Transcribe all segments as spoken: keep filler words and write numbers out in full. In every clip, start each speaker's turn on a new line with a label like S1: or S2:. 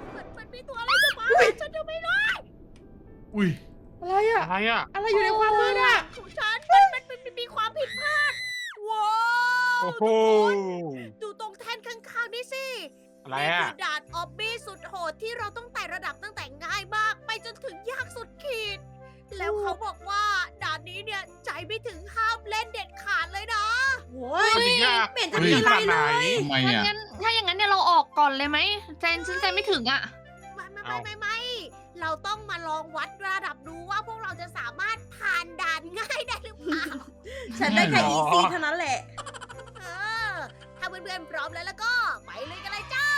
S1: มันมันมีตัวอะไรจะมาฉันจะไม่รอด
S2: อุ้ย
S3: อะไรอะ
S4: อะไรอ่ะ
S3: อะไรอยู่ในความมืดอะ
S1: ของฉันมันมันมันมันมีความผิดพลาดว้าว
S4: โอ้โห
S1: ดูตรงแท่นข้างๆนี่สิ
S4: อะไร
S1: นี่
S4: อ่ะ
S1: คือด่านออบบี้สุดโหดที่เราต้องไต่ระดับตั้งแต่ง่ายมาก ไปจนถึงยากสุดขีด แล้วเขาบอกว่าด่านนี้เนี่ยใจไม่ถึงห้ามเล่นเด็ดขาดเลยนะ
S3: โว้ย
S4: มันจะยาก
S3: ไม่เห็นจะ
S4: มัน
S3: มี
S4: จะ
S3: อะไร
S4: ขนาดไหน
S3: เลย
S2: ทำไม
S5: ถ้า
S2: อ่ะ
S5: งั้นถ้าอย่างนั้นเนี่ยเราออกก่อนเลยไหมใจฉันใจไม่ถึงอ่ะ
S1: ไม่ไม่
S4: เอ้า
S1: ไม่ไม่ไม่เราต้องมาลองวัดระดับดูว่าพวกเราจะสามารถผ่านด่านง่ายได้หรือเปล่า
S3: ฉันได้แค่อีซีเท่านั้นแหละ
S1: เออ ถ้าเพื่อนๆพร้อมแล้วแล้วก็ไปเลยกันเลยจ้า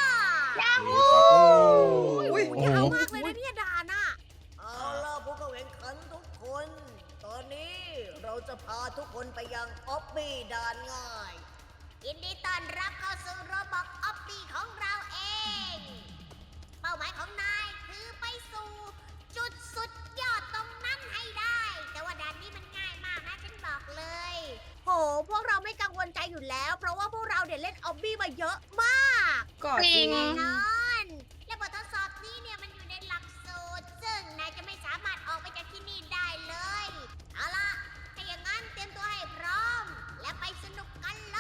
S3: อุ้ย
S1: โอ้ยยาวมากเลยนะเนี่ยด่านอ่ะ เอาล่ะผู้เข้าแข่งขันทุกคน ตอนนี้เราจะพาทุกคนไปยังออบบี้ด่านง่าย ยินดีต้อนรับเข้าสู่โรบอกออบบี้ของเราเอง เป้าหมายของนายคือไปสู่จุดสุดยอดตรงนั้นให้ได้ แต่ว่าด่านนี้มันง่ายมากนะฉันบอกเลย โห พวกเราไม่กังวลใจอยู่แล้ว เพราะว่าพวกเราเดี๋ยวเล่นออบบี้มาเยอะมาก
S3: ก็
S5: จริง
S1: แน่นอน และบททดสอบนี้เนี่ยมันอยู่ในหลักสูตร ซึ่งนายจะไม่สามารถออกไปจากที่นี่ได้เลย เอาล่ะ ถ้าอย่างนั้นเตรียมตัวให้พร้อม และไปสนุกกันเลย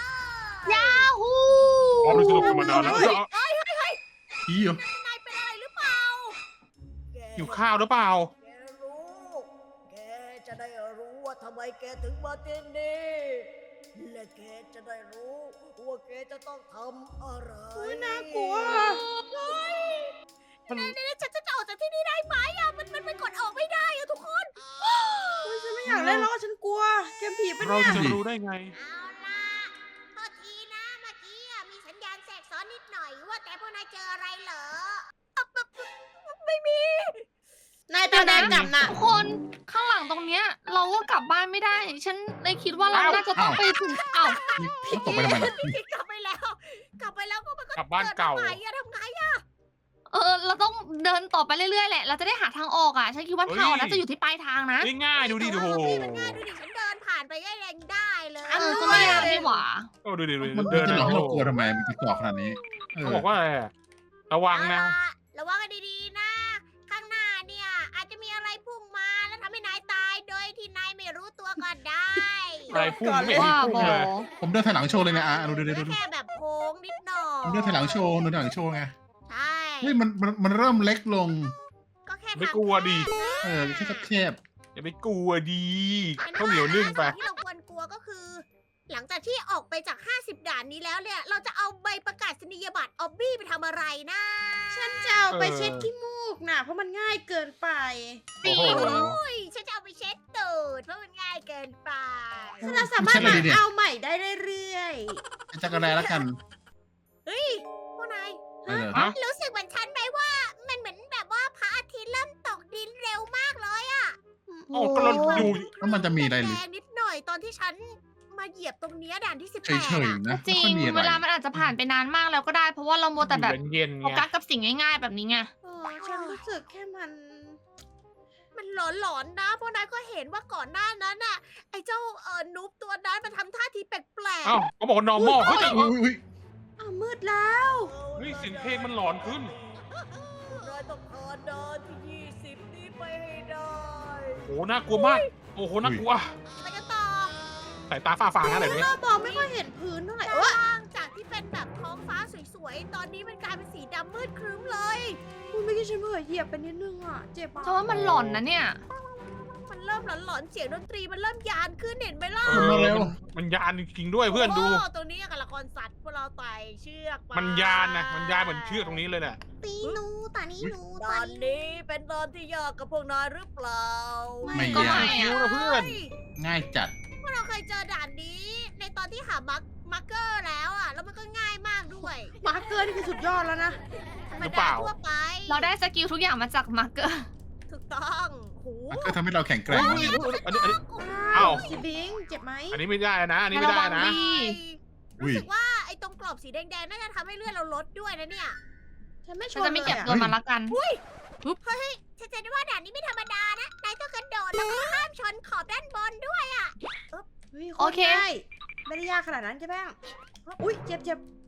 S5: ยาฮู
S4: อ๋อมันสนุกกันมานานแล้ว
S2: อีเหรอน
S1: ายเป็นอะไรหรือเปล่า
S4: หิวข้าวหรือเปล่า
S1: แกรู้ แกจะได้รู้ว่าทำไมแกถึงมาที่นี่ และแกจะได้รู้ว่าแกจะต้องทำอะไร
S3: อุ้ยน่ากลัว
S1: เฮ้ย
S4: มัน
S1: นี่ๆๆฉันจะออกจากที่นี่ได้ไหมอะมันมันมันกดออกไม่ได้อะทุกคน
S3: อุ้ยฉันไม่อยากเล่นแล้วฉันกลัว เกมผีปะ
S4: เรา
S3: เนี่ย
S4: จะรู้ได้ไง
S1: เอาล่ะโทษทีนะเมื่อกี้อะมีสัญญาณแทรกซ้อนนิดหน่อยว่าแต่พวกนายเจออะไรเหรออ่ะปะปะไม่มี
S3: นายตาแดงกลับน่ะ
S5: ทุกคนข้างหลังตรงเนี้ย เราก็กลับบ้านไม่ได้ ฉันเลยคิดว่าเรา
S4: อ้าว
S5: น่าจะต้องไปถึงเอ้า
S2: นี่ตกไปทำไมล่ะ
S1: กลับไปแล้ว กลับไปแล้วก็มันก็
S4: กลับบ้านเก่า
S1: ดมาใหม่อะทำไงอะ
S5: เออ เราต้องเดินต่อไปเรื่อยๆแหละ เราจะได้หาทางออกอ่ะ ฉันคิดว่าทางออกน่าจะอยู่ที่ปลายทางนะ
S4: ง่ายๆดูดิดู
S1: แต่
S4: โห
S1: ว่าพี่มันง่ายดูดิฉันเดินผ่านไปได้แรงได้เลย
S5: เออก็ไม่ยากนี่หว่า
S4: โอ้ดูดิดูดิ
S2: มัน
S4: เดิน
S2: จะหลอกให้เรากลัว
S4: โอ้
S2: ทำไม มันจะกรอกขนาดนี้เอ
S4: เขา
S2: อ
S4: บอกว่าอะไรอะระวังนะ
S1: เอาล่ระวังกันดีๆนะ ข้างหน้าเนี่ย อาจจะมีอะไรพุ่งมาแล้วทำให้นายตายโดยที่นายไม่รู้ตัวก็ได้
S4: อะไรพุ่งไม่เห็น
S5: ว่า
S4: พุ่ง
S5: บอ
S4: เลย
S2: ผมเดินถอยหลังโชว์เลยนะอ่ะดูดูดูดูดู
S1: แค่แบบโค้งนิดหน่อ
S2: ผม
S1: ย
S2: เดินถอยหลังโชว์เดินถอยหลังโชว์ไง
S1: ใช่
S2: เฮ้ยมันมันมันเริ่มเล็กลง
S1: ก็แค่
S4: ไม่
S1: ทาง
S4: กลัวดิ
S2: เออแค่แคบ
S4: อย่าไปกลัวดี
S1: เป็น
S4: ข้าวเหนียวนึ่งไป
S1: สิ่ที่เราควรกลัวก็คือ หลังจากที่ออกไปจาก ห้าสิบ ด่านนี้แล้วเนี่ย เราจะเอาใบประกาศนียบัตรออบบี้ไปทำอะไรนะ
S3: ฉันจะเอาไปเช็ดขี้มูกน่ะ เพราะมันง่ายเกินไป
S4: โอ้โห
S1: โอ้ยฉันจะเอาไปเช็ดตูดเพราะมันง่ายเกินไป
S3: ฉันจะสามารถมาเอาใหม่ได้เรื่อย
S2: ๆจักรแลแล้วกัน
S1: เฮ้ยพวกนาย
S2: เออ
S4: ฮะ
S1: รู้สึกเหมือนฉันไหมว่า มันเหมือนแบบว่าพระอาทิตย์เริ่มตกดินเร็วมากเลยอะ
S3: ๆ
S4: โอ้ก็เราอยู่
S2: แล้วมันจะมีอะไรหรือ
S1: แดงๆนิดหน่อยตอนที่ฉันมาเหยียบตรงเนี้ยด่านที่สิบ
S2: เฉ
S1: แปด
S2: ย
S1: อะ
S2: ๆนะ
S5: จริ
S2: ไม่
S5: ง
S2: ค่อยมีอะไร
S5: เวลามันอาจจะผ่านไปนานมากแล้วก็ได้ เพราะว่าเรามัวแต่แบบ
S4: เย็นๆ
S5: โฟ
S4: ไง
S5: กัสกับสิ่งง่ายๆแบบนี้ไง
S3: เออฉันรู้สึกแค่มัน
S1: มันหลอนๆนะเพราะนายก็เห็นว่าก่อนหน้านั้นน่ะ ไอ้เจ้าเออนุ๊บตัวนั้นมันทำท่าทีแปลก
S4: เอ้าเขาบอกว่า normal เฮ้ยแต่
S2: อุ้ยอุ้ย
S3: อ้าวมืดแล้ว
S1: ๆ
S4: เฮ้ยเสียงเพลงมันหลอนขึ้น
S1: นายต้องผ่านด่านที่ยี่สิบนี้ไปให้ได้
S4: โอ้โหน่ากลัวมาก โอ้โหน่ากลัว
S1: ไปกันต่อ
S4: สายตาฝ้าฟางอะไรแบบนี้
S3: เรามองไม่ค่อยเห็นพื้นเท่าไหร่
S1: ด้าน
S3: เอ้ย
S1: ล่างจากที่เป็นแบบท้องฟ้าสวยๆ ตอนนี้มันกลายเป็นสีดำมืดครึ้มเลย
S3: คุณเมื่อกี้ฉันเผลอเหยียบไปนิดนึงอ่ะ เจ็บอ่ะ
S5: เพราะว่ามันหลอนนะเนี่ย
S1: มันเริ่มหลอนๆ เสียงดนตรีมันเริ่มยานขึ้นเห็นไหมล่ะ
S4: เออมันมันยานจริงๆด้วยเพื่อนดู
S1: โอ้ตรงนี้กับละครสัตว์พวกเราไต่เชือกไป
S4: มันยานนะ มันยานเหมือนเชือกตรงนี้เลยน่ะ
S3: ตีหนูตานี้หนู
S1: ตอนนี้เป็นตอนที่ยากกับพวกนายหรือเปล่า
S2: ไม่
S5: ก็
S2: ยา
S5: ไม่
S2: ก
S4: ดูนะเพื่อน
S2: ง่ายจัด
S1: พวกเราเคยเจอด่านนี้ ในตอนที่หามาร์คมาร์เกอร์แล้วอ่ะ แล้วมันก็ง่ายมากด้วย
S3: มาร์คเกอร์นี่คือสุดยอดแล้วนะ
S1: ธรรม
S4: หรือ
S1: ดา
S4: เปล่า
S1: ทั่วไป
S5: เราได้สกิลทุกอย่างมาจากมาร์เกอร์
S1: ถูกต้องโห
S2: มันก็ทำให้เราแข็งแกร่ง
S4: อัน
S2: มาก
S4: นี้อันนี้
S3: อ้า
S4: อ้าว ว
S3: สิบิงเจ็บไหม
S4: อันนี้ไม่ได้นะ อันนี้ไม่ได้นะ
S5: ดี
S1: รู้สึกว่าไอ้ตรงกรอบสีแดงๆ น่าจะทำให้เลือดเราลดด้วยนะเนี่ย
S3: ฉันไม่ช
S5: ฉัน
S3: น
S5: จะไม่เก็บ
S3: ลย
S5: ตัวมันละกัน
S1: ฉันจะได้ว่าด่านนี้ไม่ธรรมดานะ นายต้องกระโดดแล้วก็ห้ามชนขอบด้านบนด้วยอ่ะ
S3: เฮ้ย
S5: โอเค
S3: ตรง่ายไม่ได้ยากขนาดนั้นใช่ไหมอุ้ยเจ็บเจ็บ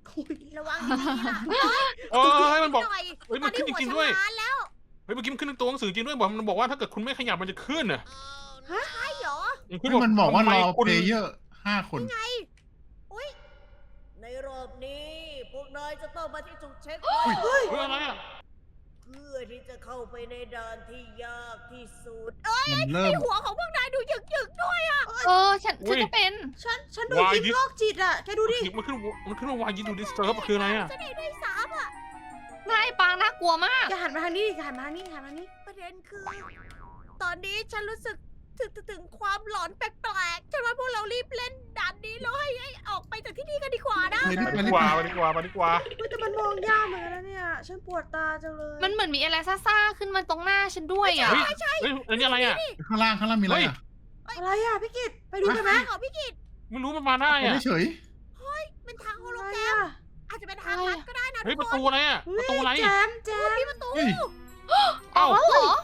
S1: ระวังดีๆล่ะ
S4: เออเฮ้ยมันบอก
S1: หน่อย
S4: เฮ้ย
S1: ต
S4: มั
S1: อน น
S4: ขึ้
S1: นี้
S4: น
S1: หัว
S4: จริง
S1: ฉั
S4: ๆ
S1: น
S4: ด้วย
S1: ล้านแล้ว
S4: เฮ้ยเมื่อกี้มันขึ้นในตัวหนังสือจริงด้วยบอกมันบอกว่าถ้าเกิดคุณไม่ขยับมันจะขึ้นน่ะ
S1: ใช่เหรอ
S4: มันขึ้น
S2: เฮ้ยมันบอกว่ารอ
S4: ทำไมคุณ
S2: เพลเยอร์ห้าคน
S1: อุ้ยในรอบนี้พวกนายจะต้องมาที่จุดเช็คพ
S4: เฮ้
S1: อย ยต์
S4: เฮ้ยอะไรอ่ะ
S1: เพื่อที่จะเข้าไปในด่านที่ยากที่สุด เอ้ย
S2: มันเริ่
S1: ใน
S2: ม
S1: หัวของพวกนายดูหยึกๆด้วยอ่ะ
S5: เออฉันฉันก็เป็น
S3: ฉันฉันดู
S4: Why
S3: คลิป
S4: this-
S3: โรคจิตอ่ะ แกดูดิ
S4: มันขึ้นมันขึ้นว่าวายยินดูดิสเทิร์บคืออะไรอ่ะ
S1: ฉันเองได้สามอ่ะ
S5: นายปางน่ากลัวมาก
S3: แกหันมาทางนี้ดิแกหันมาทางนี้หันมาทางนี้
S1: ประเด็นคือ ตอนนี้ฉันรู้สึกถึงถึงถึงความหลอนแปลกๆฉันว่าพวกเรารีบเล่นด่านนี้แล้วให้ให้ออกไปจากที่นี่กันดีกว่านะ
S2: ไปดิ
S4: ไป
S2: ไป
S4: ดี
S2: ดิ
S4: กว่าไปดีกว่าไปดีกว่า
S3: เฮ้ยแต่มันมองยากเหมือนกันนะเนี่ย ฉันปวดตาจังเลย
S5: มันเหมือนมีอะไรซ่าๆขึ้นมาตรงหน้าฉันด้วยอ่ะ
S4: เฮ้ยเฮ้ยอันนี้อะไรอ่ะ
S2: ข้างล่างข้างล่างมีอะไรอ่ะ
S3: อะไรอ่ะพี่กิตไปดูกันไหม
S1: ของพี่กิต
S4: ไม่รู้มันมาได้
S2: ไป
S4: อ่ะ
S2: ได้เฉย
S1: เป็นทางโฮ
S3: อะ
S1: โล
S3: ไร
S1: แกรม
S3: อ่ะ
S1: อาจจะเป็นทางลัดก็ได้นะ
S4: เฮ้ย
S1: ทุ
S4: ป
S1: ก
S4: ระ
S1: ค
S4: ตู
S1: น
S4: อะไรอ่ะประตูอะไร
S3: แจมแจม
S1: มีประตู
S2: เฮ้ย
S5: อ๋อเหรอ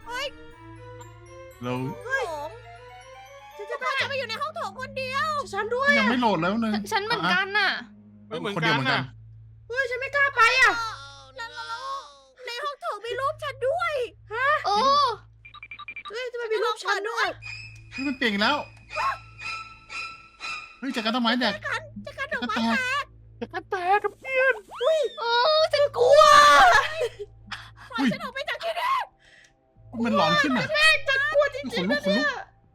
S2: เรา
S1: โถงฉันจะจะไปอยู่ในห้องโถงคนเดียว
S3: ฉันด้วย
S2: ยังไม่โหลดแล้วนึง
S5: ฉันเหมือนกันน่ะ
S4: ไม่เหมือน
S2: คน
S4: กั
S2: เดีย
S4: น
S2: วเหมือนกั
S4: น่ะ
S2: น
S3: เฮ้ยฉันไม่กล้าไปอ่ะ
S1: แล้วแล้วแล้วในห้องโถงมีรูปฉันด้วย
S5: เออ
S3: เฮ้ยทำไมมีรูปฉันด้วย
S2: เฮ้ยมันเปลี่ยนอีกแล้วเฮ้ยจากการต้นไม้แดก
S1: จะกันด
S2: จะ
S1: อกไม้
S2: แตก
S4: จะกระแตกกับเพื่อน
S5: เออฉันกลัว
S1: ปล่อยฉันออกไปจากที่นี่
S2: มันหลอนขึ้นอ่ะ
S3: ฉันกลัวจ
S2: ข
S3: ริ
S2: น
S3: งๆ
S2: ลุ
S3: นะ
S2: กขน
S3: เนี่
S2: ลุ
S3: ย
S2: ก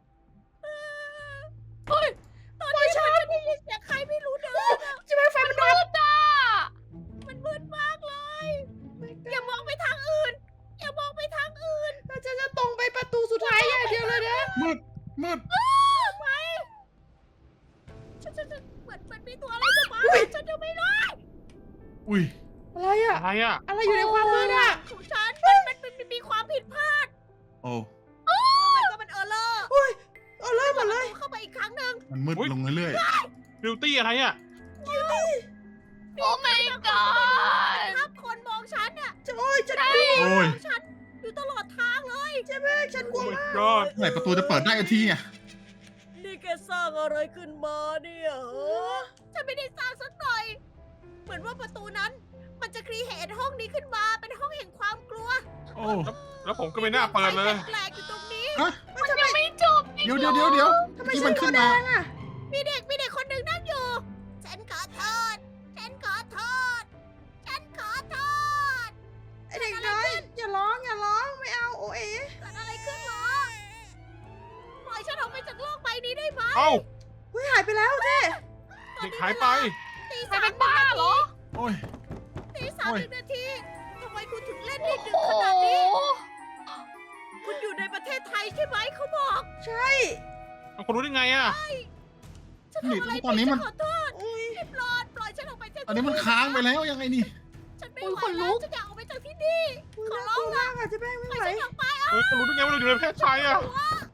S1: ตอนนี้ฉันได้ยินเสียงใครไม่รู้เดินอะ
S3: ใช่ไหมไฟมันดับ
S5: มืดอ่ะ
S1: มันมืดมากเลย อย่ามองไปทางอื่น อย่ามองไปทางอื่น
S3: เราจะจะตรงไปประตูสุดท้ายอย่างเดียวเลยนะ
S2: มืดมืด
S1: ไปฉันฉันฉันเหมือนเหมือนมีตัวอะไรจะมาฉันจะไม่ได้
S2: อุ้ย
S3: อะไรอ่ะ
S4: อะไรอ่ะ
S3: อะไรอยู่ในความมืดอ่ะ
S1: ของฉันมันมันมันมันมีความผิดพลาด
S2: โอ้
S1: มันก็มันเออร์เลอร์
S3: เอาเริ่มหมดเลย
S1: เข้าไปอีกครั้งหนึ่ง
S2: มันมืดลงเรื่อย
S4: บิวตี้อะไรอ่ะ
S5: โอ้ my god
S1: ถ้าคนมองฉันเนี่ย
S3: จะโอ้ยจะ
S2: ๆโอ้ย
S1: มองฉันอยู่ตลอดทางเลย
S3: ใช่ไหมฉันกลัว
S4: โอ้ my
S3: มาก
S4: god
S2: เมื่อไหร่ประตูจะเปิดได้ทีอ่ะ
S1: นี่แกสร้างอะไรขึ้นมาเนี่ยเหรอฉันไม่ได้สร้างสักหน่อย เหมือนว่าประตูนั้น มันจะครีเอทห้องนี้ขึ้นมา เป็นห้องแห่งความกลัว
S2: โอ้
S4: แล้วผมก็ไม่น่าเปิดเลย
S1: แปลกๆอยู่ตรงนี้
S2: ฮะ
S5: มันยังไม่จบอีก
S2: เดี๋ยวเดี๋ยวเดี๋ยวเดี๋ยว
S3: ทำไม
S2: ที่
S3: ฉั
S2: มัน น
S3: ตั
S2: ขึ้
S3: วน แด
S2: มาง
S3: อ่ะ
S1: มีเด็กมีเด็กคนหนึ่งนั่งอยู่ ฉันขอโทษ ฉันขอโทษ ฉันขอโทษ
S3: ไอเด็กน้อยอย่าร้องอย่าร้องไม่เอาโอเอ๋
S1: เกิดอะไรขึ้นเหรอ ปล่อยฉันออกไปจากโลกใบนี้ได้ไหม
S4: เอ้า
S3: เฮ้ยหายไปแล้วเจ้
S4: เด็กหายไป
S1: ตี
S5: ใคร
S1: สาม
S5: เป็นบ้าเหรอ
S2: โอ้ย
S1: ตีสาม
S2: โอ้ย
S1: หนึ่งนาทีทำไมคุณถึงเล่นได้ดึก
S5: โอ้
S1: ข
S5: โห
S1: นาดนี้ คุณอยู่ในประเทศไทยใช่ไหมเขาบอก
S3: ใช่
S4: คุณรู้ได้ไงอ่ะ
S1: ฉัน
S2: นี่
S1: ทำอะไร
S2: ตอนนี้
S1: ผิด
S2: มัน
S1: ฉัขอโทษ
S3: อุ้ย
S1: รีบรอดปล่อยฉันออกไปจาก
S2: ตอนนี้มันค้างไปแล้วยังไงนี่
S1: ฉันไม่
S5: อุ๊ย
S1: ไหว
S5: ขนลุ
S1: แล้ว
S5: ก
S1: ฉันอยากออกไปจากที่นี่
S3: อุ้ย
S1: ขอ
S3: น่า
S1: ร้
S3: ก
S1: อง
S3: ลัวมากอ่ะเจ๊แป้งไม่
S1: ปล่อย
S3: ไหว
S1: ฉันออกไป
S4: เฮ้ยคุณรู้ได้ไงว่าเราอยู่ในประเทศไทยอ่ะ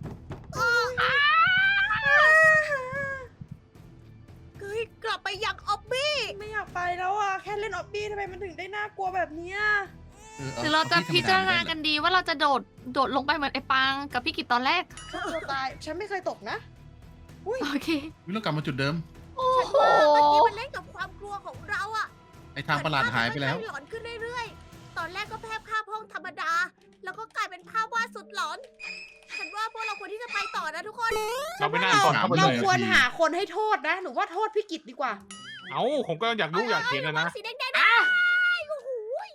S1: เฮ้ยกลับไปยังออบบี้
S3: ไม่อยากไปแล้วอ่ะแค่เล่นออบบี้ทำไมมันถึงได้น่ากลัวแบบเนี้ย
S5: หรือเราจะพิจารณากันดีว่าเราจะโดดโดดลงไปเหมือนไอ้ปางกับพี่กิตตอนแรก
S3: ฆ่าตัวตายฉันไม่เคยตกนะ
S5: โอเค
S2: วิเรากลับมาจุดเดิม
S5: โอ้
S1: ฉัน
S5: โห
S1: ว่าเมื่อกี้มันเล่นกับความกลัวของเราอะ
S2: ไอทางประหลาดหายไปแล้ว
S1: เหมือนภาพมันค่อยๆหลอนขึ้นเรื่อยๆ ตอนแรกก็แพร่ภาพห้องธรรมดา แล้วก็กลายเป็นภาพวาดสุดหลอน ฉันว่าพวกเราควรที่จะไปต่อนะทุกคน
S4: เราไม่น่าสอนเข้าไป
S3: เรา
S4: เลย
S3: ควรหาคนให้โทษนะหรือว่าโทษพี่กิตดีกว่า
S4: เอ้าผมก็อยากรู้อยากเห็นนะนะ
S1: สีแดงๆนะโอ้โห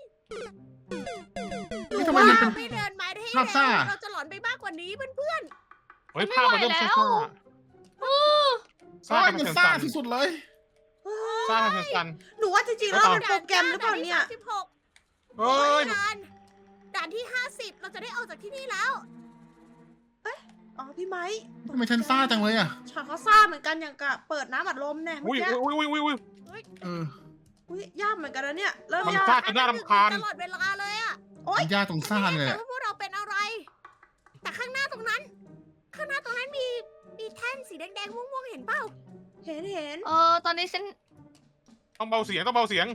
S2: นี่ทำไมมันเป็น
S1: ไม่เดินมาได้ให้
S2: ภาพซ่า
S1: เราจะหลอนไปมากกว่านี้เพื่อน
S4: เฮ้ยภาพมันเริ่มซ่า
S5: เออ
S4: ๆซ่า
S2: ซ่า
S4: กัน
S2: มัน
S4: เป็น
S2: ซ่า
S4: สัน
S2: สุดๆเลย
S4: ๆซ่ากันสัน
S3: หนูว่าจริงๆแล้วมันโปรแกรมหรือเปล่าเนี่ย
S1: สิบหก
S4: ๆเฮ้ย
S1: ด่านด่านที่ห้าสิบเราจะได้ออกจากที่นี่แล้ว
S3: อ๋อพี่ไม้
S2: ทำไมฉันซ่าจังเลยอ่ะ
S3: ฉันก็ซ่าเหมือนกันอย่างกับเปิดน้ำอัดลมเนี่ยเมื่
S4: อุ้
S3: อย กี้
S4: อุ้ยอุ้ยอุ้ยอุ้ย
S2: เออ
S3: อุ้ยยากเหมือนกันนะเนี่ยเริ่ม
S4: มัน
S3: ยาก
S4: ซ่า จนน่ารำคาญ
S1: ตลอดเวลาเลยอะ
S3: โอ๊ย
S2: มันยากตรงซ่าเลย
S1: แต่
S2: อะ
S1: ว่าพวกเราเป็นอะไร แต่ข้างหน้าตรงนั้น ข้างหน้าตรงนั้นมีมีแท่นสีแดงๆม่วงๆเห็นเปล่า
S3: เห็นเห็น
S5: เออตอนนี้ฉัน
S4: ต้องเบาเสียงต้องเบาเสียง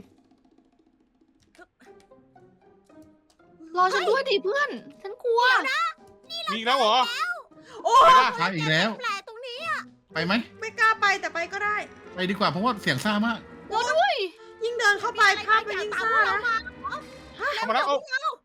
S5: รอฉันด้วยดิเพื่อน ฉันกลัว
S4: มีอีกแล้วเหรอ
S3: โอ้
S4: ไป
S3: ย
S4: ป่ะ
S2: ซ่าอีกแล้ว
S1: แปลกตรงนี้
S2: ไปไหม
S3: ไม่กล้าไปแต่ไปก็ได้
S2: ไปดีกว่าเพราะว่าเสียงซ่ามาก
S5: รอด้วย
S3: รเดินเข้าไปภาพมันยิ่งซ่านะ
S4: เข้ามาแล้วเอา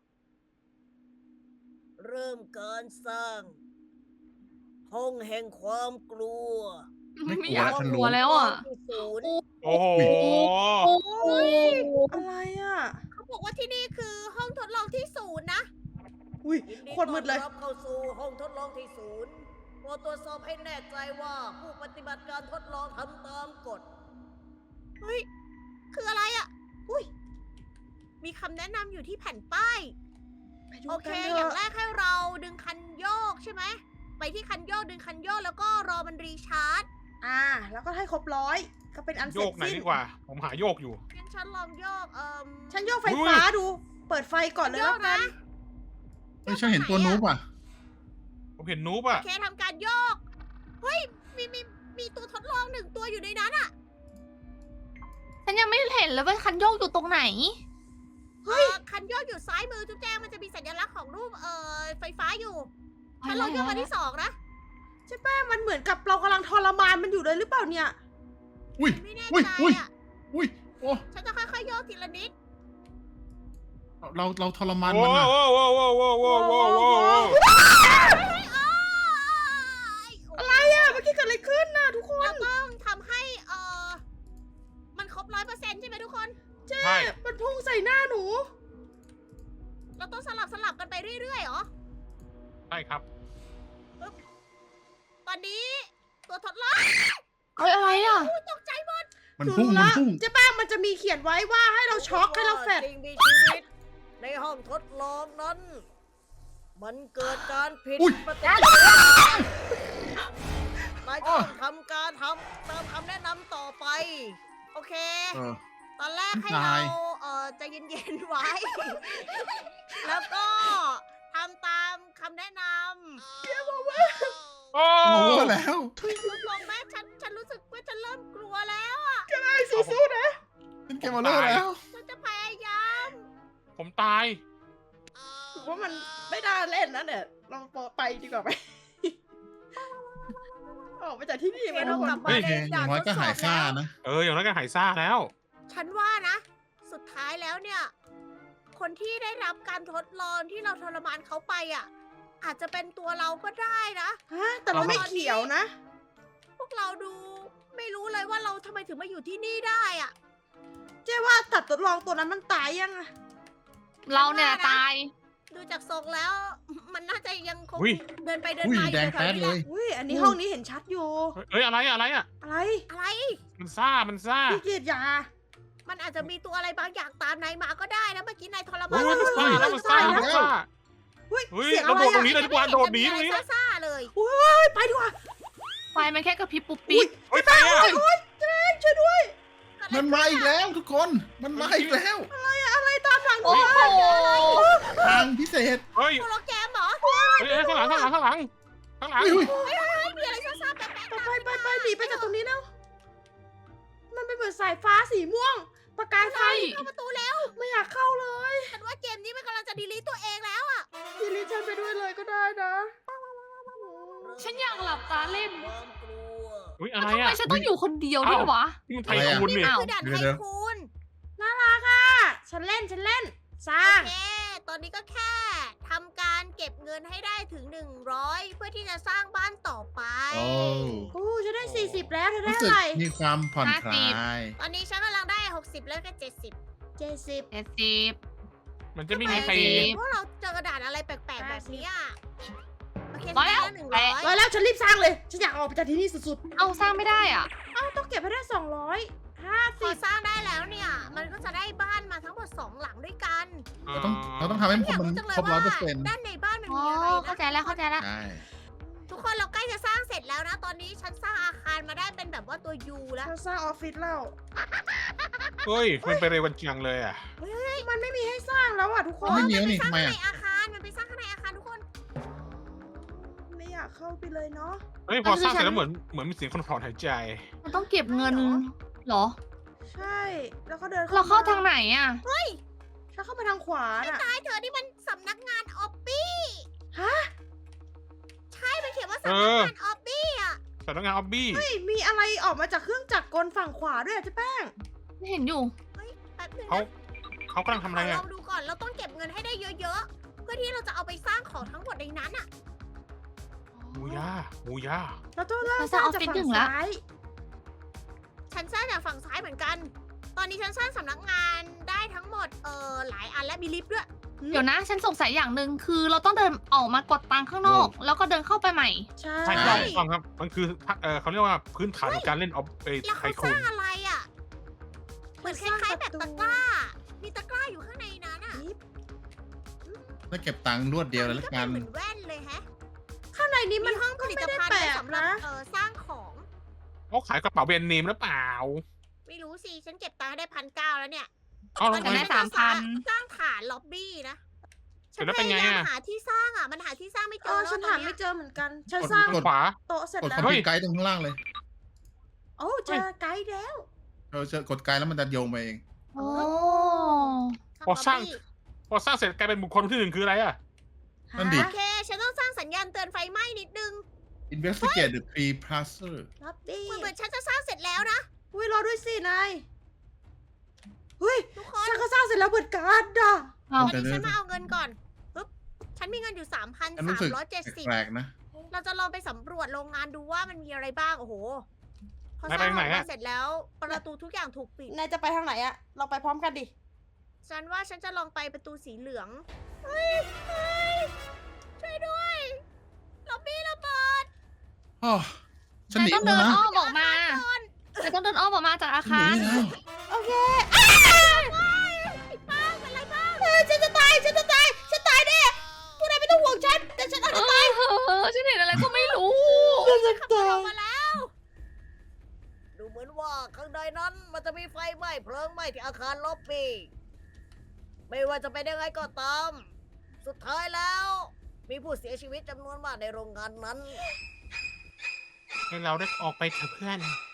S1: เริ่มการสร้าง ห้องแห่งความกลัว
S2: ไม่กลัว
S5: ไม่อยาก
S2: ฉัน
S5: ก
S2: รู้
S5: ลัวแล้วอ่ะ
S1: ที่ศูนย์
S4: โอ้โห
S5: โอ้ย
S3: อะไรอ่ะ
S1: เขาบอกว่าที่นี่คือห้องทดลองที่ศูนย์นะ
S3: อุ้ย
S1: ยินดี
S3: โคตรมืดเลย
S1: ต้อนรับเข้าสู่ห้องทดลองที่ศูนย์โปรดตรวจสอบให้แน่ใจว่าผู้ปฏิบัติการทดลองทำตามกฎ เฮ้ย คืออะไรอ่ะ อุ้ย มีคำแนะนำอยู่ที่แผ่นป้าย
S3: ไปดู
S1: โอเค
S3: กันเถ
S1: อย่าง
S3: อะ
S1: แรกให้เราดึงคันโยกใช่ไหม ไปที่คันโยกดึงคันโยกแล้วก็รอมันรีชาร์จ
S3: อ่า แล้วก็ให้ครบร้อยก็เป็นอันเส
S4: โย
S3: ร็จ
S4: กไหน
S3: สิ้น
S4: ดีกว่า ผมหาโยกอยู่
S1: งั้นฉันลองโยก เอ่ม
S3: ฉันโยกไฟฟ้าดู เปิดไฟก่อนเลย
S1: โย
S3: แล้ว
S1: ก
S3: กั
S1: นะ
S3: น
S2: เฮ้ยฉันเห็นตัวนูบอ่ะ
S4: ผมเห็นนูบ
S1: โอ
S4: อะ
S1: เคทำการโยก เฮ้ย มีมีมีตัวทดลองหนึ่งตัวอยู่ในนั้นอ่ะ
S5: ฉันยังไม่เห็นเลยว่าคันโยกอยู่ตรงไหน
S1: เฮ้ย คันโยกอยู่ซ้ายมือจุ๊บแจงมันจะมีสัญลักษณ์ของรูป เอ่อ ไฟฟ้าอยู่ ฉันลองโยกมาที่สองนะ
S3: ใช่แป้งมันเหมือนกับเรากำลังทรมานมันอยู่เลยหรือเปล่าเนี่ย
S2: อุ้ย
S1: ไม่แน่
S2: อุ้ย
S1: ใจ
S2: อุ้ย
S1: อ่ะ
S2: อุ้ยโอ้
S1: ฉันจะค่อยๆโยกทีละนิด
S2: เราเราทรมาน
S4: โอ้
S2: มัน
S4: โห
S2: อ่ะ
S4: โอ้โหโอ้โหโอ้โหโอ้โหโอ้โห
S3: อะไรอ่ะ เมื่อกี้เกิดอะไรขึ้นน่ะทุกคน
S1: เราต้องทำให้ เอ่อ มันครบร้อยเปอร์เซ็นต์ใช่ไหมทุกคน
S3: เจ๊
S4: ใช่
S3: มันพุ่งใส่หน้าหนู
S1: เราต้องสลับสลับกันไปเรื่อยๆเหรอ
S4: ใช่ครับ
S1: ตอนนี้ตัวทดลอง
S5: เฮ้ยอะไรอ่ะ
S1: อุ๊ยตกใจหมด
S2: มัน
S3: หนู
S2: พุ่ง
S3: รู้
S2: มัน
S3: ละ
S2: พุ่ง
S3: เจ๊แป้งมันจะมีเขียนไว้ว่าให้เราช็อกให้เราแฟด
S1: สิ่งมีชีวิต ในห้องทดลองนั้น มันเกิดการผิด
S2: อุ๊ย
S1: ปฏิกิริยานายจะต้องทำการทำตามคำแนะนำต่อไป โอเค
S2: เออ
S1: ตอนแรกให้
S2: ตา
S1: เรา
S2: ย
S1: เอ่อใจเย็นๆไว้ แล้วก็ทำตามคำแนะนำ
S4: โอ้
S2: โอ้แล้ว
S1: ลดลงแม่ฉันฉันรู้สึกว่าฉันเริ่มกลัวแล้ว
S3: ไอ้สู้ๆนะ
S2: เป็นเกมมาเลอร์แล้ว
S1: ฉันจะพยายาม
S4: ผมตาย
S3: ถือว่ามันไม่น่าเล่นนะเนี่ย เราไปดีกว่าไหม ออกไปจากที่นี่ไหม
S1: เรา
S3: ทุกค
S1: กลั
S3: น
S1: บมา
S2: เฮ้ย
S1: ใน
S2: อย่างน้อยก็หายซ่านะ
S4: เออ อย่างนั้นก็หายซ่าแล้ว
S1: ฉันว่านะ สุดท้ายแล้วเนี่ย คนที่ได้รับการทดลองที่เราทรมานเขาไปอ่ะ อาจจะเป็นตัวเราก็ได้นะ
S3: ฮะ แต่เราไม่เขียวนะ
S1: พวกเราดูไม่รู้เลยว่าเราทำไมถึงมาอยู่ที่นี่ได้อ่ะ
S3: เจ๊ว่าตัดทดลองตัวนั้นมันตายยังอะ
S5: เราเนี่ยตาย
S1: ดูจากทรงแล้ว มันน่าจะยังคง
S4: อุ๊ย
S1: เดินไปเดิน
S2: อุ้ย
S1: มาอ
S2: แด
S1: ยู่
S2: ง
S1: แถ
S2: แป๊
S1: ว
S2: ด
S1: ๆนี้
S2: เล
S1: แหละ
S2: ย
S3: อุ้ย อันนี้ห้องนี้เห็นชัดอยู่
S4: เอ้ย อะไรอะอะไรอะ
S3: อะไร
S1: อะไร
S4: มันซ่า มันซ่า
S3: พี่เกียรติยา
S1: มันอาจจะมีตัวอะไรบางอย่างตามนายมาก็ได้นะเมื่อกี้นายทรมา
S4: เฮ้
S1: น
S4: ยมันซ่าแล้วมันซ่ามันซ่า
S3: เฮ้ย
S4: เฮ้ย
S3: เสียง
S4: เรา
S3: อะไร
S4: โดดตร
S3: อะ
S4: งนี้เลยดีกว่า โดดหนีตรงนี้
S1: อะไรซ่าๆเลย
S3: เฮ้ยไปดีกว่า
S5: ไฟมันแค่กระพริบปุ๊บปิ๊บ
S4: เฮ้ยใครอะ
S3: โอ๊ยเจ๊ช่วยด้วย
S2: มันมาอีกแล้วทุกคน มันมาอีกแล้ว
S3: อะไรตามหลังหนู
S5: โอ้โห
S2: ทางพิเศษ
S4: เฮ้ย
S1: โปรแกรมเหรอ
S4: เฮ้ยเฮ้ยข้างหลัง ข้างหลัง ข้างหลัง ข้างหลัง
S2: อุ้ย
S1: ไม่มีอะไรซ่าๆแปลกๆตาม
S3: ไปไปไปหนีไปจากตรงนี้แล้ว มันเป็นเหมือนสายฟ้าสีม่วง ประกายไฟ
S5: ใช่
S1: เข้าประตูแล้ว
S3: ไม่อยากเข้าเลย
S1: ฉันว่าเกมนี้มันกำลังจะดีลีตตัวเองแล้วอะ
S3: ทีนี้ฉันไปด้วยเลยก็ได้นะ
S5: ฉันอยากหลับตาเล่น
S1: ความกลัว
S4: อุ้ย อะไร
S5: ทำไม
S4: อะ
S5: ฉันต้องอยู่คนเดียวด้วยวะ
S4: นี่มันไทยคูณ
S1: นี่
S4: นี่
S1: มัน
S5: อ้าว
S1: คือด่าน
S2: เดี๋
S1: ไท
S2: ยว
S1: คูน
S3: น่ารักอ่ะ ฉันเล่นฉันเล่น สร้า
S1: โอง เค ตอนนี้ก็แค่ทำการเก็บเงินให้ได้ถึงหนึ่งร้อยเพื่อที่จะสร้างบ้านต่อไป
S2: โอ้
S3: โอ้ฉันได้สี่สิบแล้วเธอได้
S2: รู้
S3: อะ
S2: สึก
S3: ไหร
S2: มีความผ่อนคลาย
S1: ตอนนี้ฉันกำลังได้หกสิบแล้วก็เจ็ดสิบ
S3: เจ็ดสิบ
S5: เจ็ดสิบ
S4: มันจะไม่มีใคร
S5: จริง
S1: พวกเราเจอกระดาษอะไรแปลกๆแบบนี้อะโอเค
S5: ร้อยแล้ว
S1: ฉันได้หนึ่งร้อย
S3: ร้อยแล้วฉันรีบสร้างเลย ฉันอยากออกไปจากที่นี่สุด
S5: เอาสร้างไม่ได้อ่ะ
S3: ๆ เอ้าต้องเก็บให้ได้สองร้อยห้า
S1: พ
S3: สิ
S1: อบ สร้างได้แล้วเนี่ย มันก็จะได้บ้านมาทั้งหมดสองหลังด้วยกัน
S2: เราต้องเราต้องทำให้
S1: อยาก
S2: มัน
S1: รู้จังเลย
S2: ครบร้อ
S1: ว่าย
S2: เปอร์เซ็นต์
S1: ด้านในบ้านมัน
S5: อ๋อ
S1: มีอะไร
S5: เข้า
S1: นะ
S5: ใจแล้วเข้าใจแล้ว
S2: ใช่
S1: ทุกคนเราใกล้จะสร้างเสร็จแล้วนะ ตอนนี้ฉันสร้างอาคารมาได้เป็นแบบว่าตัวยูแล้ว
S3: ฉันสร้างออฟฟิศแล้ว
S4: เฮ้ย มันไปเร็วกันจังเลยอะ
S3: มันไม่มีให้สร้างแล้วอ่ะทุกค
S2: ไม่
S3: น
S2: มีแล้ว
S1: ไป
S2: นี่
S1: สร้า
S2: ทำ
S1: ง
S2: ไม
S1: ข้าง
S2: อ่ะ
S1: ในอาคาร มันไปสร้างข้างในอาคารทุกคน
S3: ไม่อยากเข้าไปเลยเนาะ
S4: เฮ้ย พอสร้างเสร็จแล้วเหมือน เหมือนมีเสียงคนถอนหายใจ
S5: มันต้องเก็บเงินเหรอ
S3: ใช่ แล้วก็เดิน
S5: เราเข้าทางไหนอ่ะ
S3: ฉันเข้ามาทางขวาน่ะ
S1: ตายเธอนี่มันสำนักงานออบบี้
S3: ฮะ
S1: ใช่ มันเขียนว่า
S4: เอ
S1: สำนัก
S4: อ
S1: งานออบบี้อ่ะ
S4: สำนักงานออบบี้
S3: เฮ้ย มีอะไรออกมาจากเครื่องจักรกลฝั่งขวาด้วยอะเจ๊แป้ง
S5: ไม่เห็นอยู่
S1: บนึง
S4: เขา
S1: นะ
S4: เขากำลังทำอะไร
S1: ล
S4: อ่ะ
S1: องดูก่อน เราต้องเก็บเงินให้ได้เยอะๆ เพื่อที่เราจะเอาไปสร้างของทั้งหมดในนั้นอ่ะ
S4: หมูย่าหมูย่า
S3: เราต้องเริ่ม
S5: เรา
S3: สร้าง
S5: จะเอา
S3: จาก
S5: ฟิต
S3: ฝั่
S5: หนึ่
S3: ง
S5: งละ
S3: ซ้าย
S1: ฉันสร้างจากฝั่งซ้ายเหมือนกัน ตอนนี้ฉันสร้างสำนักงานได้ทั้งหมด เออหลายอันและมีลิฟต์ด้วย
S5: เดี๋ยวนะ ฉันสงสัยอย่างหนึ่งคือเราต้องเดินออกมากดตังค์ข้างนอก แล้วก็เดินเข้าไปใหม่
S3: ใช่
S4: ใช่ใช่ถูกต้องครับ มันคือเออเขาเรียกว่าพื้นฐานของการเล่นออฟเอ
S1: แล้ว
S4: ไท
S1: เขา
S4: โค
S1: สร้างอะไรอ่ะ เหมือนคล้ายๆแบบตะกร้า มีตะกร้าอยู่ข้างในนั้นอ่ะ
S2: แล้วเก็บตังค์รวดเดียวเลย
S1: อั
S2: ละ
S1: ก็
S2: กั
S1: เป็น นเหมือนแว่นเลยแฮะ
S3: ข้างในนี้มัน
S1: มีห้องผลิตภัณฑ์
S3: ก็ไม่
S1: ไว้
S3: ได้แปลก
S1: สำหรับ
S3: นะ
S1: เออสร้างของ
S4: เขาขายกระเป๋าแบรนด์เนมหรือเปล่า
S1: ไม่รู้สิ ฉันเก็บตังค์ได้พันเก้าแล้วเนี่ย
S4: เอ้า
S1: ต
S4: แล้
S1: อ
S4: วน ทำ
S1: นี้
S4: ไม
S5: ได้
S1: ฉันจะสร้าง
S5: สามพัน
S1: สร้างฐานล็อบบี้นะ
S4: เสร็จแล้วเป็นไงอะ
S1: ฉัพยายามหาที่สร้างอ่ะ มันหาที่สร้างไม่เจ
S3: เอ
S1: อ
S3: อ
S1: แล้ว
S3: ฉัน
S1: ตอ
S3: หาน
S1: เนี้
S3: ไม่
S1: ย
S3: เจอเหมือนกัน ฉัน
S2: กด
S3: สร้าง
S2: กด
S4: ขวา
S3: โต๊ะเสร็จ
S2: กด
S3: แล้
S2: คว อมพิวไกด์ตรงข้างล่างเลย
S3: โอ้เจอไกด์แล้ว
S2: เราจะกดไกด์แล้วมันจะโยงไปเอง
S5: โอ้
S4: พอสร้าง
S1: ล็อบบี้
S4: พอสร้างเสร็จกลายเป็นบุคคลที่หนึ่งคืออะไรอ่ะ
S2: นั่นดิ
S1: โอเค ฉันต้องสร้างสัญญาณเตือนไฟไหม้นิดนึง
S2: investigate the tree placer
S3: ล็อบบี้
S1: เหมือนเหมือนฉันจะสร้างเสร็จแล้วนะ
S3: อุ้ยรอด้วยสินายเฮ้ย
S1: ทุกคน
S3: ฉันก็สร้างเสร็จแล้วเหมือนกันอ่ะ
S5: เอา
S1: ตอนนี้ฉันมาเอาเงินก่อนปึ๊บ ฉันมีเงินอยู่สามพัน
S2: ฉัน
S1: สา
S2: รู้
S1: ม
S2: สึก
S1: ร้อยเจ็ดสิบ
S2: แปลกๆนะ
S1: เราจะลองไปสำรวจโรงงานดูว่ามันมีอะไรบ้าง โอ้โห พอ
S4: ไหน
S1: สร้าง
S4: ไปไหน
S1: โรงงาน
S4: อะ
S1: เสร็จแล้ว ประตูทุกอย่างถูกปิด
S3: นายจะไปทางไหนอะเราไปพร้อมกันดิ
S1: ฉันว่าฉันจะลองไปประตูสีเหลือง เฮ้ยเฮ้ยช่วยด้วยล็อบบี้ระเบิด
S2: อ๋อฉันหนี
S5: ต้อง
S2: แล้
S5: เดิ
S2: วน นะ
S5: อ้อมออกมาเดี๋ยวต้องเดินอ้อมออกมาจากอา
S2: ฉันห
S5: คาร
S2: นีแล้ว
S3: โอเค
S1: ไอ้ป้างเป็นไรบ้าง
S3: เฮ้ยฉันจะตาย ฉันจะตาย ฉันตายแน่พวกนายไม่ต้องห่วงฉัน แต่ฉันอาจ
S5: เอ
S3: จะตาย
S5: อฉันเห็นอะไรก็ไม่รู้
S3: ฉันจะ
S1: ขับรถ
S3: ตา
S1: อย อกมาแล้ว ดูเหมือนว่าข้างในนั้นมันจะมีไฟไหม้เพลิงไหม้ที่อาคารล็อบบี้ไม่ว่าจะเป็นยังไงก็ตาม สุดท้ายแล้ว มีผู้เสียชีวิตจำนวนมากในโรงงานนั้น
S4: ให้เราได้ออกไปเถอะเพื่อน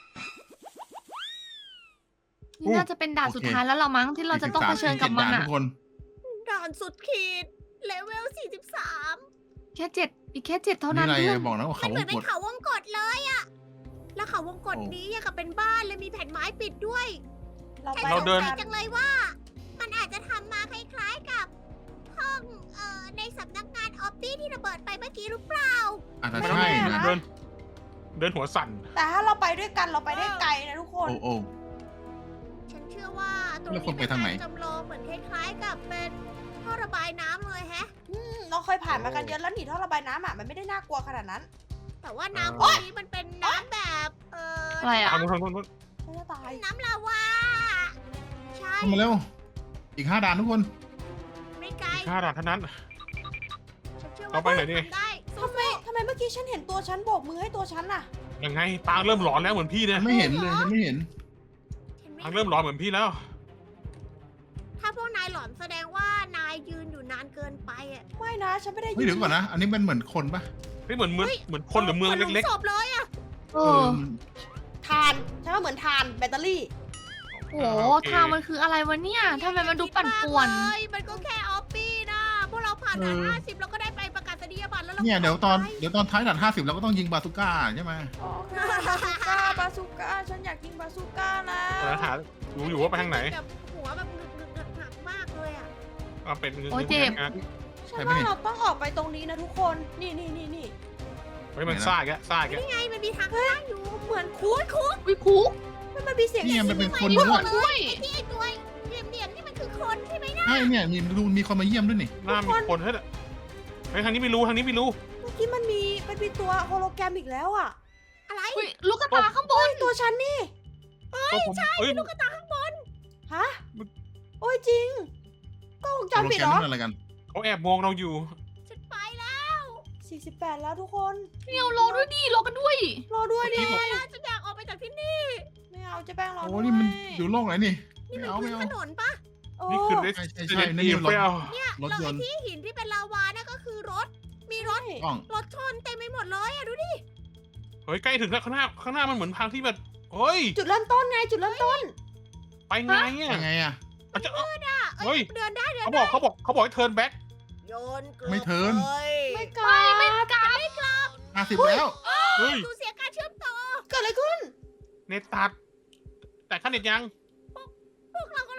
S5: นี่น่าจะเป็นด่านสุดท้ายแล้วเรามั้งที่เราจะต้องเผชิญกับมัน
S2: สี่สิบสา
S5: อะ
S2: ทุกคน
S1: ด่านสุดขีด เลเวล สี่สิบสาม
S5: แค่เจ็ดอีกแค่เจ็ดเท่า
S2: นี่
S5: นั้น
S2: อะไร
S5: เพื่อน
S2: บอกนะว่า
S1: มั
S2: เขา
S1: นเห
S2: ว
S1: มือง นเป็
S2: ก
S1: น
S2: ด
S1: เขาวงกตเลยอะแล้วเขาวงกต
S2: โอ้
S1: นี้ยังกับเป็นบ้านเลยมีแผ่นไม้ปิดด้วย
S3: เรา
S1: ฉัน
S3: ไป
S4: เรา
S1: สง
S4: เดิน
S1: สัยจังเลยว่า มันอาจจะทำมาคล้ายๆกับห้องเอ่อในสำนักงานออฟฟี่ที่ระเบิดไปเมื่อกี้หรือเปล่า
S2: อาจจะ
S3: ไม่
S2: ใช่
S3: แน่
S2: นะ
S3: นะ
S4: เดิน เดินหัวสั่น
S3: แต่ถ้าเราไปด้วยกันเราไปได้ไกลนะทุกคน
S2: โอ้โอ้
S1: ฉันเชื่อว่าตรง
S2: แล้ว
S1: นี้
S2: คนไป
S1: เป็น
S2: ทางไหน
S1: การจำลองเหมือนคล้ายๆกับเป็นท่อระบายน้ำเลยแฮะ
S3: อืมเราเคยผ่านมากันเยอะแล้วหนีท่อระบายน้ำอ่ะมันไม่ได้น่ากลัวขนาดนั้น
S1: แต่ว่าน้ำพวกนี้มันเป็นน้ำแบบเอ่อ
S5: อะไรอะ
S4: ทางนู้นทางนู้นทางนู้น
S3: ฉันจะตาย
S1: น้ำลาวา ใช่
S2: เข้ามาเร็ว อีกห้าด่านทุกคน
S1: ไม่ไกล
S4: ค่าด่านเท่านั้น
S1: ฉันเชื่อว่า
S4: เราไปไหนดี
S1: ทำได้สู้
S3: ทำไมทำไมเมื่อกี้ฉันเห็นตัวฉันโบกมือให้ตัวฉันน่ะ
S4: ยังไงปางเริ่มหลอนแล้วเหมือนพี่เนี่ย
S2: ไม่เห็นเลยฉันไม่เห็น
S1: ๆฉันไม่
S4: ปางเริ่มหลอนเหมือนพี่แล้ว
S1: ถ้าพวกนายหลอนแสดงว่านายยืนอยู่นานเกินไปอ่ะ
S3: ไม่นะฉันไม่ได้
S2: เฮ้ยเดี๋ยวก่อนนะ อันนี้เป็นเหมือนคนปะ
S4: เฮ้ยเหมือนเมืองเหมือนคนหรือเมือง
S1: หลุ
S4: เล็ก
S1: ศพเลยอ่ะ
S5: เอ
S2: เอ
S5: อ
S2: อ
S3: ทานฉันว่าเหมือนทานแบตเตอรี่
S4: ๆ
S5: โอ้โหทางมันคืออะไรวะเนี่ยทำไมมันดูปั่นป่วน
S1: เลยมันก็แค่ออฟฟี่นะ พวกเราผ่านด่านห้าสิบเราก็ได้ไปประกาศนียบัตรแล้วเรา
S2: เนี่ยเดี๋ยวตอน
S1: ไป
S2: เดี๋ยวตอนท้ายด่านห้าสิบเราก็ต้องยิงบาซูก้าใช่ไหม
S3: โอเคบาซูก้าบาซูก้าฉันอยากกินบาซูก้านะ
S4: เออหารู้อยู่ว่าไปทางไหน
S1: แบบหัวแบบหนึกหนึกหนึกหนักมากเลยอ่ะ
S4: เอาเป็นเงิน
S5: โอ้ยเจ็บ
S4: งาน
S3: ฉันว่าเราต้องออกไปตรงนี้นะทุกคน นี่นี่นี่นี่
S4: เฮ้ยมันซ่าแกซ่าแก
S1: นี่ไงมันมีทางข้างอยู่
S3: เหมือนคุกคุก
S5: วิคุก
S3: มันมันมีเสียง
S2: เนี่ยมันเป็นคน
S1: ไม่
S2: ด้
S1: บ
S2: ว
S1: อย กเลยไอ้ที่ไอ้ตัวเหลี่ยมเหลี่ยมๆนี่มันคือคนใช่ไหมนะ
S2: ใช่เนี่ยมีดูมีคนมาเยี่ยมด้วยนี่
S4: หน้ามีคนเฮ้ยเฮ้ยทางนี้ไม่รู้ทางนี้ไม่รู้
S3: เมื่อกี้มันมีมันมีตัวโฮโลแกรมอีกแล้วอ่ะ
S1: อะไร
S5: อุ๊ยลูกกระตาข้างบน
S3: ตัวฉันนี่
S4: ก็ผมเอ้ย
S1: ลูกกระตาข้างบน
S3: ฮะ โอ้ยจริงกล้องวงจร
S2: โปร
S3: ปิด
S2: แกร
S3: เห
S2: ม
S3: รอ
S2: นั่นอะไรกัน
S4: เขาแอบมองเราอยู่
S1: ฉันไปแล้ว
S3: สี่สิบแปดแล้วทุกคน
S5: เนียวรอด้วยดิรอกันด้วย
S3: รอด้วยดิ
S4: เมื่อกี้บอก
S1: แล้วฉันอยากออกไปจากที่นี่
S3: ไม่เอาเจะแป้งรอ
S2: โอ้
S3: ด้วย
S2: นี่มันอยู่โลกไหนนี่
S1: นี่
S2: ไม่
S1: มัน
S2: เอา
S1: พื้
S2: ไม่
S1: น
S2: เอา
S1: ถนนปะ
S3: โอ้
S4: นี่คือเรส
S2: ใช่ใช่
S4: เด
S2: ใช่
S4: น
S2: นี่
S4: อี
S2: รถ
S4: ไม่เอา
S1: เนี่ย
S2: รถ
S1: เรา
S2: ย
S1: ไอ้
S2: นต์
S1: ที่หินที่เป็นลาวานั่นก็คือรถ มีรถ
S2: กล้อง
S1: รถชนเต็มไปหมดเลยอะดูดิ
S4: เฮ้ยใกล้ถึงแล้วข้างหน้าข้างหน้ามันเหมือนทางที่แบบเฮ้ย
S3: จุดเริ่มต้นไงจุดเริ่มต้น
S4: ไปไงอ่ะ
S2: ยังไงอะ
S4: อาจจะ
S1: อ่ะ
S4: เฮ้ย
S1: เดินได้เดิน
S4: เขาบอกเขาบอกเขาบอกให้เทิร์นแบ็ก
S1: โยนเกลือ
S2: ไม่เทิร์น
S1: เลย
S3: ไม่กล้า
S5: ไม่กล้า
S2: ห้าสิบแล้ว
S4: เฮ้ย
S1: ดูเสียการเชื่อมต่อ
S3: เกิดอะไรขึ้น
S4: เน็ตตัด แต่ขั้นเน็ตยัง
S1: พวกเรากำลังจะหลุด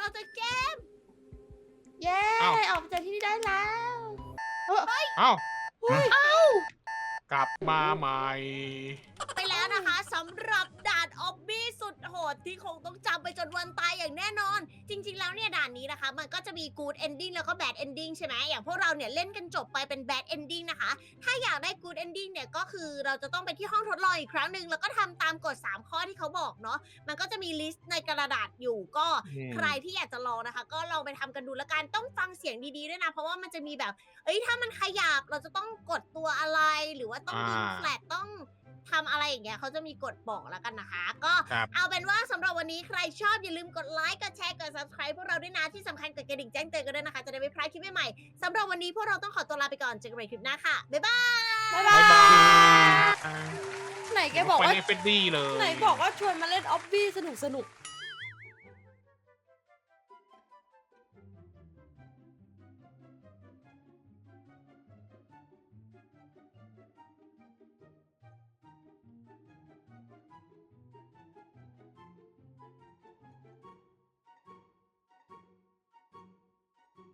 S1: ออกจากเกม
S3: เย้
S4: อ้าว
S3: ออกจากที่นี่ได้แล้ว
S4: เอ้า
S3: เฮ้ย
S4: กลับมาใหม่
S1: ไปแล้วนะคะสำหรับด่านออบบี้สุดโหดที่คงต้องจำไปจนวันตายอย่างแน่นอน จริง ๆ แล้วเนี่ยด่านนี้นะคะ มันก็จะมี good ending แล้วก็ bad ending ใช่ไหมอย่างพวกเราเนี่ยเล่นกันจบไปเป็น bad ending นะคะ ถ้าอยากได้ good ending เนี่ยก็คือเราจะต้องไปที่ห้องทดลองอีกครั้งหนึ่งแล้วก็ทำตามกฎสามข้อที่เขาบอกเนาะมันก็จะมีลิสต์ในกระดาษอยู่ก็
S4: อืม
S1: ใครที่อยากจะลองนะคะ ก็ลองไปทำกันดูแล้วกันต้องฟังเสียงดีๆด้วยนะ เพราะว่ามันจะมีแบบ เอ้ยถ้ามันขยับเราจะต้องกดตัวอะไรหรือว่าต้องยิง
S4: อ่า
S1: แฟลตต้องทำอะไรอย่างเงี้ยเขาจะมีกฎบอกแล้วกันนะคะ ก็
S4: ครับ
S1: เอาเป็นว่าสำหรับวันนี้ใครชอบอย่าลืมกดไลค์กดแชร์กด subscribe พวกเราด้วยนะที่สำคัญกดกระดิ่งแจ้งเตือนกันด้วยนะคะ จะได้ไม่พลาดคลิปใหม่ๆสำหรับวันนี้พวกเราต้องขอตัวลาไปก่อนเจอกันใหม่คลิปหน้าค่ะบ๊ายบาย
S3: บ๊าย
S4: บ๊าย
S3: บา
S4: บาย ย
S3: ไหนแกบอก
S4: ไป
S3: ว่า
S4: ในเฟดดี้เลย
S3: ไหนบอกว่าชวนมาเล่นออบบี้สนุกสนุกๆ